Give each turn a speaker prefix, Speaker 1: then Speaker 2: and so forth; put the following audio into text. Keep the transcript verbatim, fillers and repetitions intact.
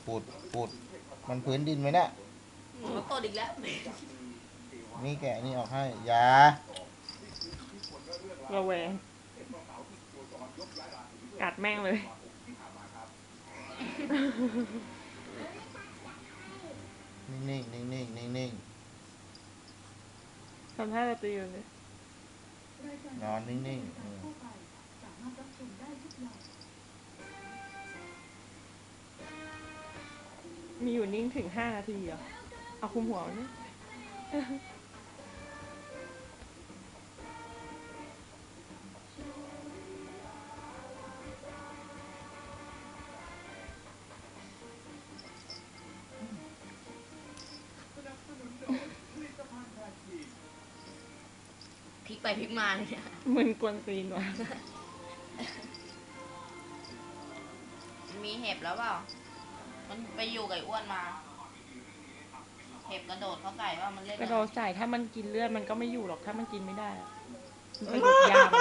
Speaker 1: ปุดปุดมันพื้นดินไหมเนี่ย
Speaker 2: มันตดอีกแล้ว
Speaker 1: นี่แกะนี่ออกให้ยา
Speaker 3: ระแวงกัดแม่งเลย
Speaker 1: นิ่งๆนิ่งๆนิ่งๆนิ่ง
Speaker 3: ทำท่าจะตีอยู่เลย
Speaker 1: ๆนอนนิ่งๆ
Speaker 3: มีอยู่นิ่งถึงห้านาทีเหรอเอาคุมหัวนี่
Speaker 2: พลิกไปพลิกมาเนี่ย
Speaker 3: มึนกวนตีนว่ะ
Speaker 2: มีเห็บแล้วเปล่ามันไปอยู่กับอ้วนมาเห็บกระโดดเข้าใส่ว่ามันเล่น
Speaker 3: กระโดดใส่ถ้ามันกินเลือดมันก็ไม่อยู่หรอกถ้ามันกินไม่ได้มันไปหยุดยาม